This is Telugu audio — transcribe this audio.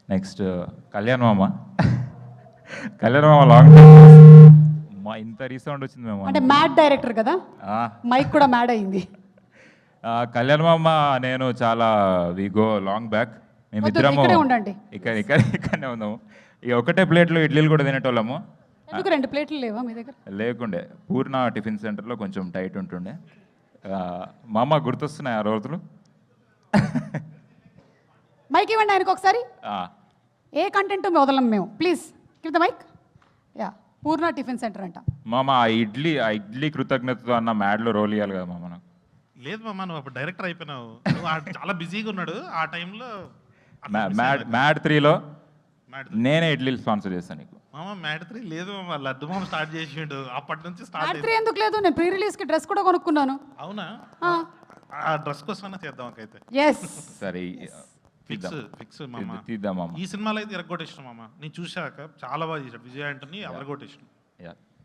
నెక్స్ట్ కళ్యాణ్ మామ. కళ్యాణ్ మామ లాంగ్ మా ఇంత రీసౌండ్ వచ్చింది మేము. అంటే మ్యాడ్ డైరెక్టర్ కదా, మైక్ కూడా మ్యాడ్ అయింది. కళ్యాణ్ మామ నేను చాలా వి గో లాంగ్ బ్యాక్. మేమిద్దరము ఉండండి, ఇక్కడనే ఉన్నాము. ఇక ఒకటే ప్లేట్లో ఇడ్లీలు కూడా తినేటోళ్ళము. ఎందుకు 2 ప్లేట్లు లేవా మీ దగ్గర? లేకుండే, పూర్ణ టిఫిన్ సెంటర్లో కొంచెం టైట్ ఉంటుండే. మామ గుర్తొస్తున్నాయి ఆ రోజులు. మైక్ ఇవ్వండి ఆయనకు ఒకసారి. ఏ కంటెంట్ వదలం మేము, please give the mic. Yeah, Purna tiffin centre అంట. మామ ఆ ఇడ్లీ కృతజ్ఞతతో అన్న మ్యాడ్లో రోల్ ఇవ్వాలి కదా మామ. నాకు లేదు మామ, నువ్వు అప్పుడు డైరెక్టర్ అయిపోయినావు. నువ్వు చాలా బిజీగా ఉన్నాడు ఆ టైంలో. మ్యాడ్ 3లో నేనే ఇడ్లీలు స్పాన్సర్ చేస్తాను నీకు. మామ మ్యాడ్ 3 లేదు మామ, లడ్డు మామ స్టార్ట్ చేసిండు. అప్పటి నుంచి స్టార్ట్. మ్యాడ్ 3 ఎందుకు లేదు? నేను ప్రీ రిలీజ్ కి డ్రెస్ కూడా కొనుక్కున్నాను. అవునా? ఆ డ్రెస్ కోసం చేద్దాం అయితే. yes సరే, ఫిక్స్ మామ. తీద్దాం మామ. ఈ సినిమాలో అయితే ఎరగొట్టేసిన మామ. నేను చూశాక చాలా బాగా చేశాడు విజయ్ ఆంటనీ, ఎరగొట్టేసిన.